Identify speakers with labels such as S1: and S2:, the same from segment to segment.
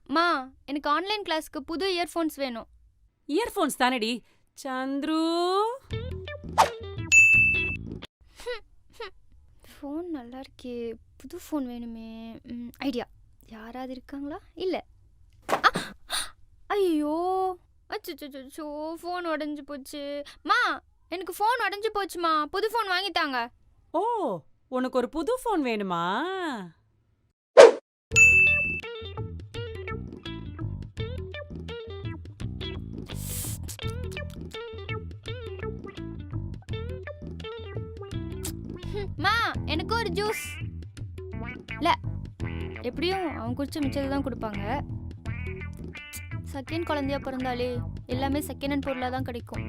S1: மா எனக்கு ஆன்லைன் கிளாஸ்க்கு புது இயர்ஃபோன்ஸ் வேணும்.
S2: இயர்ஃபோன்ஸ் தானடி சந்துரு.
S1: ஃபோன் நல்லா இருக்கே, புது ஃபோன் வேணுமே. ஐடியா, யாராவது இருக்காங்களா? இல்லை. ஐயோ அச்சோ, ஃபோன் உடஞ்சி போச்சு. மா எனக்கு ஃபோன் உடஞ்சி போச்சுமா, புது ஃபோன் வாங்கித்தாங்க.
S2: ஓ, உனக்கு ஒரு புது ஃபோன் வேணுமா?
S1: மா எனக்கு ஒரு ஜூஸ். இல்லை, எப்படியும் அவன் குடிச்ச மிச்சத்தை தான் கொடுப்பாங்க. செகண்ட் குழந்தையா பிறந்தாலே எல்லாமே செகண்ட் ஹேண்ட் பொருளாக தான் கிடைக்கும்.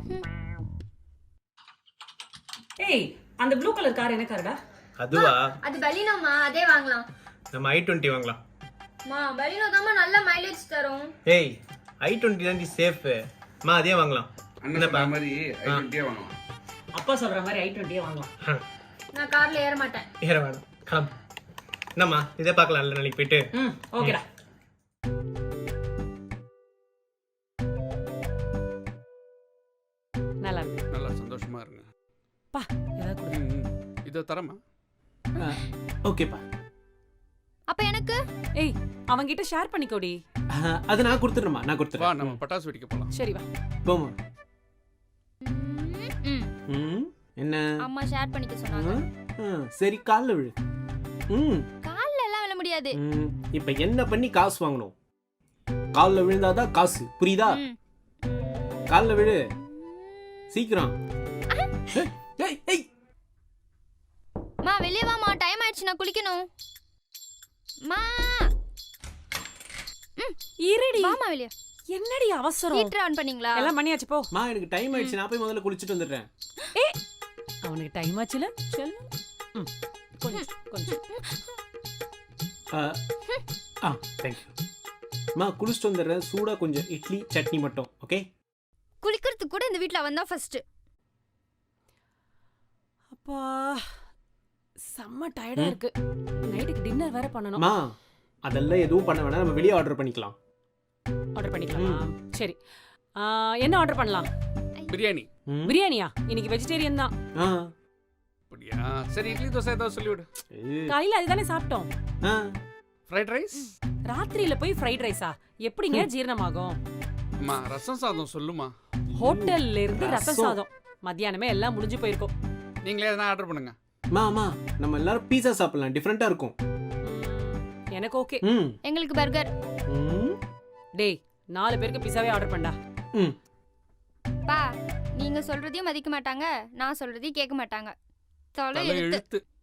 S2: ஏய், அந்த ப்ளூ கலர் கார் என்ன கார்டா?
S3: அதுவா?
S1: அது பலினோமா, அதே வாங்கலாம்.
S3: நம்ம i20 வாங்கலாம்.
S1: மா பலினோ தான்மா நல்ல மைலேஜ் தரும்.
S3: ஏய், i20 தான் சேஃப். மா அதே வாங்கலாம்.
S4: என்னப்பா மாதிரி i20 வாங்கலாம்.
S2: அப்பா சொல்ற மாதிரி i20 வாங்கலாம்.
S1: நான் கார்ல ஏற மாட்டேன்.
S3: ஏற வேணாம், கிளம்பு. என்னம்மா இதே பார்க்கலாம்ல நாளைக்கு போயிட்டு.
S2: ஓகேடா. நல்லா இருக்கு.
S4: நல்லா சந்தோஷமா இருங்க.
S2: பா ஏதாவது கொடு.
S4: இத தரமா?
S5: ஓகேப்பா.
S1: அப்ப எனக்கு?
S2: ஏய், அவங்கிட்ட ஷேர் பண்ணிக்கோடி.
S5: அது நான் கொடுத்துறேன்மா, நான்
S4: வா
S5: கொடுத்துறேன்.
S4: நம்ம பட்டாசு வெடிக்க போலாம்.
S2: சரி வா.
S5: போமா. என்ன?
S1: அம்மா ஷேர் பண்ணிக்க சொன்னாங்க.
S5: சரி, கால்ல விழு.
S1: கால்ல எல்லாம் விழ முடியாது.
S5: இப்ப என்ன பண்ணி காசு வாங்கணும்? கால்ல விழுந்தாதான் காசு, புரியுதா? கால்ல விழு சீக்கிரம். ஏய் ஏய்,
S1: மா வெளிய வாமா, டைம் ஆயிடுச்சு, நான் குளிக்கணும். மா
S2: இருடி.
S1: வாமா வெளிய.
S2: என்னடி அவசரம்?
S1: ஹீட்டர் ஆன் பண்ணீங்களா?
S2: எல்லாம் பண்ணியாச்சு போ.
S5: மா எனக்கு டைம் ஆயிடுச்சு, நான் போய் முதல்ல குளிச்சிட்டு வந்துடுறேன்.
S2: ஏய், அவனுக்கு டைம் ஆச்சுல. செல். கொஞ்சம் கொஞ்சம்.
S5: Thank you. மா குளிச்சிட்டு வந்துடுறேன். சூடா கொஞ்சம் இட்லி சட்னி மட்டும். ஓகே?
S1: குளிக்கிறதுக்கு கூட இந்த வீட்ல வந்தா ஃபர்ஸ்ட்.
S2: அப்பா செம்ம டயர்டா இருக்கு. நைட்டுக்கு டின்னர் வேற பண்ணனும்.
S5: மா அதெல்லாம் எதுவும் பண்ண வேணாம், நம்ம வெளியே ஆர்டர் பண்ணிக்கலாம்.
S2: ஆர்டர் பண்ணிக்கலாமா? சரி. என்ன ஆர்டர் பண்ணலாம்?
S4: பிரியாணி.
S2: பிரியாணியா? இன்னைக்கு வெஜிடேரியன் தான்.
S4: அப்படியா? சரி, இட்லி தோசை ஏதாவது சொல்லிவிடு.
S2: காலையில அதுதானே சாப்பிட்டோம்.
S4: Fried rice.
S2: ராத்திரியில போய் ஃப்ரைட் ரைஸா? எப்படிங்க ஜீரணமாகும்?
S4: அம்மா ரசம் சாதம் சொல்லுமா.
S2: ஹோட்டல்ல இருந்து ரசம் சாதம். மத்தியானமே எல்லாம் முடிஞ்சு போயிருக்கும்.
S4: நீங்களே எதனா ஆர்டர் பண்ணுங்க.
S5: மா நம்ம எல்லாரும் பீஸா சாப்பிடலாம், டிஃபரெண்டா இருக்கும்.
S2: எனக்கு ஓகே.
S1: எங்களுக்கு பர்கர்.
S2: டேய், 4 பேருக்கு பிஸாவே ஆர்டர் பண்ணடா.
S1: பா நீங்க சொல்றதையும் மதிக்க மாட்டாங்க, நான் சொல்றதையும் கேட்க மாட்டாங்க. தொலை
S4: தலை
S1: எழுத்து.
S4: எழுத்து.